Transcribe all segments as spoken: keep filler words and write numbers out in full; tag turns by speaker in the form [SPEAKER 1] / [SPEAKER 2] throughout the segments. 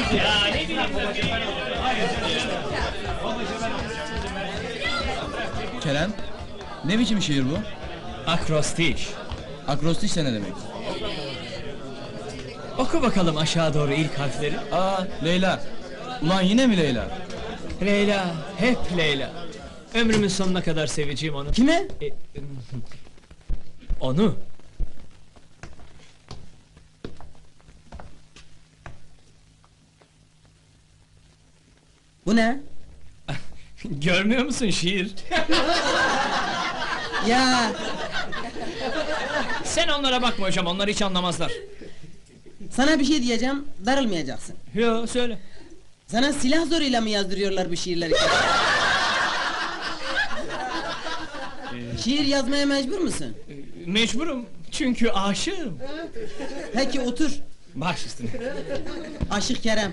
[SPEAKER 1] Ya ne bileyim
[SPEAKER 2] Kerem, ne biçim şiir bu?
[SPEAKER 1] Akrostiş.
[SPEAKER 2] Akrostiş de ne demek?
[SPEAKER 1] Oku bakalım aşağı doğru ilk harfleri.
[SPEAKER 2] Aa, Leyla. Ulan yine mi Leyla?
[SPEAKER 1] Leyla, hep Leyla. Ömrümün sonuna kadar seveceğim onu.
[SPEAKER 2] Kime?
[SPEAKER 1] E, onu.
[SPEAKER 3] Bu ne?
[SPEAKER 1] Görmüyor musun şiir?
[SPEAKER 3] Ya
[SPEAKER 1] Sen onlara bakma hocam, onlar hiç anlamazlar.
[SPEAKER 3] sana bir şey diyeceğim, darılmayacaksın.
[SPEAKER 1] Yo, söyle.
[SPEAKER 3] Sana silah zoruyla mı yazdırıyorlar bu şiirleri? Şiir yazmaya mecbur musun?
[SPEAKER 1] Mecburum, çünkü aşığım.
[SPEAKER 3] Peki otur.
[SPEAKER 1] Baş üstüne.
[SPEAKER 3] Aşık Kerem.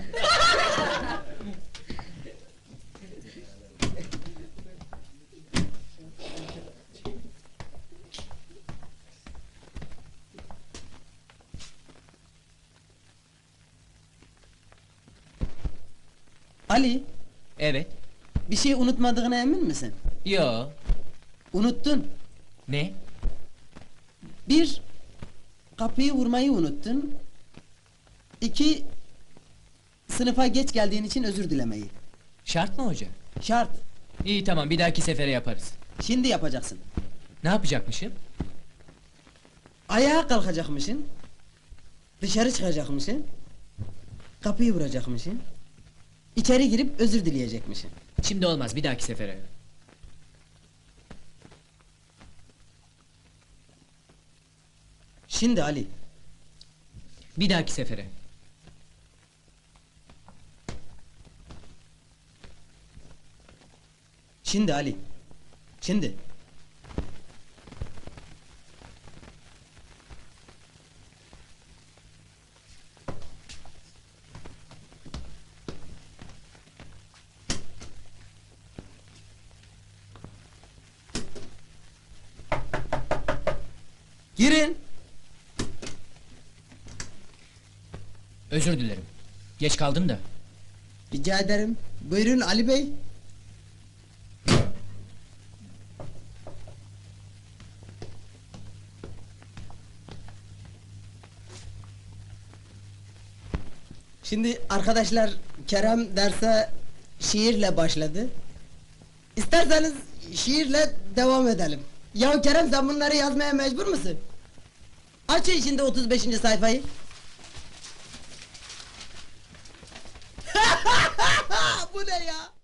[SPEAKER 3] Ali,
[SPEAKER 4] Evet.
[SPEAKER 3] bir şey unutmadığına emin misin?
[SPEAKER 4] Yo.
[SPEAKER 3] Unuttun.
[SPEAKER 4] Ne?
[SPEAKER 3] Bir, kapıyı vurmayı unuttun. İki, sınıfa geç geldiğin için özür dilemeyi.
[SPEAKER 4] Şart mı hoca?
[SPEAKER 3] Şart.
[SPEAKER 4] İyi tamam, bir dahaki sefere yaparız.
[SPEAKER 3] Şimdi yapacaksın.
[SPEAKER 4] Ne yapacakmışım?
[SPEAKER 3] Ayağa kalkacakmışsın. Dışarı çıkacakmışsın. Kapıyı vuracakmışsın. İçeri girip özür dileyecekmişsin.
[SPEAKER 4] Şimdi olmaz, bir dahaki sefere.
[SPEAKER 3] Şimdi Ali.
[SPEAKER 4] Bir dahaki sefere.
[SPEAKER 3] Şimdi Ali. Şimdi. Girin.
[SPEAKER 4] Özür dilerim. Geç kaldım da.
[SPEAKER 3] Rica ederim. Buyurun Ali Bey. Şimdi arkadaşlar, Kerem derse şiirle başladı. İsterseniz şiirle devam edelim. Ya Kerem, sen bunları yazmaya mecbur musun? Açın şimdi otuz beşinci sayfayı. Bu ne ya?